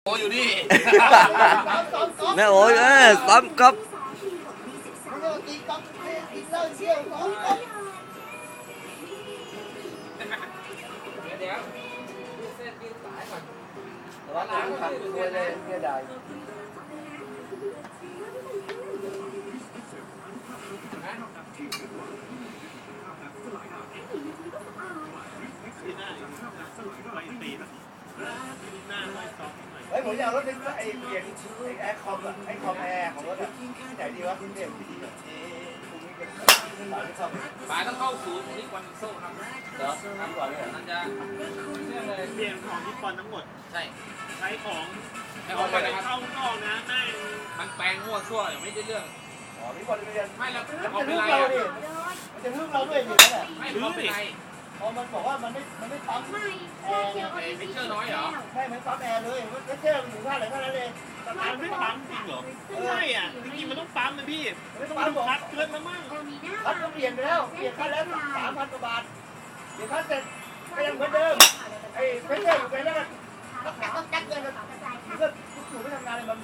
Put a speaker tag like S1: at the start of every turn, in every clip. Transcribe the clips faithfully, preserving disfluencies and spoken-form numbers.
S1: โอ้อยู่นี่
S2: แม่โอ้ยเอ้ยซ้ำครับ
S1: เดี๋ยวเส้นยืนสายก่อนร้านหลังขับคุยเลยเนี่ยได้เฮ้ยผมอยากรถไอ้เปลี่ยนไอ้แอร์คอมอะไอ้คอมแอร์ของรถอะไหนดีวะคุณเด่นดีแบบนี้ป๋าต้องเข้าศูนย์นี่วันโซ่ครับเหรอทำก่อนเลยนั่นจะ
S3: เปลี่ยนของที่ปอนทั้งหมด
S1: ใช่
S3: ใช้ของ
S1: ไอ้ของไปนะครับ
S3: เข้าข้างนะแม่ง
S1: มันแปลงมั่วซั่วอย่างไม่ได้เรื่องอ๋อพี่บอลเรียนไม่แล้ว
S4: จะ
S1: เอาไป
S4: พึ่ง
S1: ไร
S4: เรา
S1: อ่ะ
S4: ดิมันจะพึ่งเราด้วยดินั่นแหละ
S1: ไม่เอาไปไร
S4: พอมันบอกว่ามันไม่มันไม่ปั๊มแอร์
S1: ไอ้ฟิชเชอร์น้อยเหรอ
S4: ใช่มันปั๊มแอร์เลยมันเชื่อมันอยู่ท่าไหนท่านั้นเลย
S3: มันไม่ปั๊มจริงเหรอไม่ใช่อ่ะจริงๆมันต้องปั๊มนะพี่ไม่ต้องดูคัดเกินมามั่ง
S4: คัดก็เปลี่ยนไปแล้วเปลี่ยนคัดแล้วสามพันกว่าบาทเปลี่ยนคัดเสร็จก็ยังเหมือนเดิมไอ้ฟิชเชอร์อยู่ไปแล้วก็ต้องจักต้องจักเงินกันมันก็อยู่ไม่ทำงานเลยมัน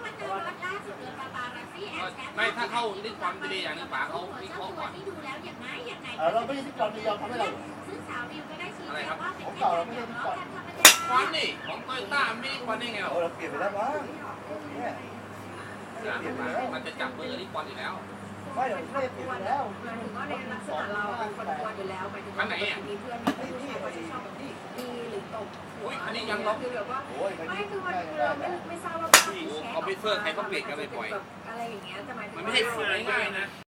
S1: ไม่ถ้าเข้าดิสคอนดีอย่างนึงป๋าเขาวิเคราะห์ก่อน
S4: เราไม่ได้ที่ก่อนยอมทำให้เรา
S1: อะไรครับ
S4: ของเก่าเราไม่ได้ที่ก่อน
S1: ควันนี่ของโตโยต้าไม่ได้ควันได้ไงหรอ
S4: เราเปลี่ยนไปแล้วมั้งเนี่ย
S1: มันจะจับมือดิสคอนอยู่แล้ว
S4: ไม่เดี๋ยวไม่ได้เปลี่ยนไปแล้ว
S1: คันไหนอ่ะ
S4: ที่ที่ไอ้ที่
S1: อุ้ยอันนี้ยังล็อก
S4: โอ้ยไม่คือมันเราไม่ไม่ทราบว่า
S1: คอมพิวเตอร์ใครต้องเปลี่ยนกันบ่อยๆมันไม่ใช่ฝึกง่ายๆนะ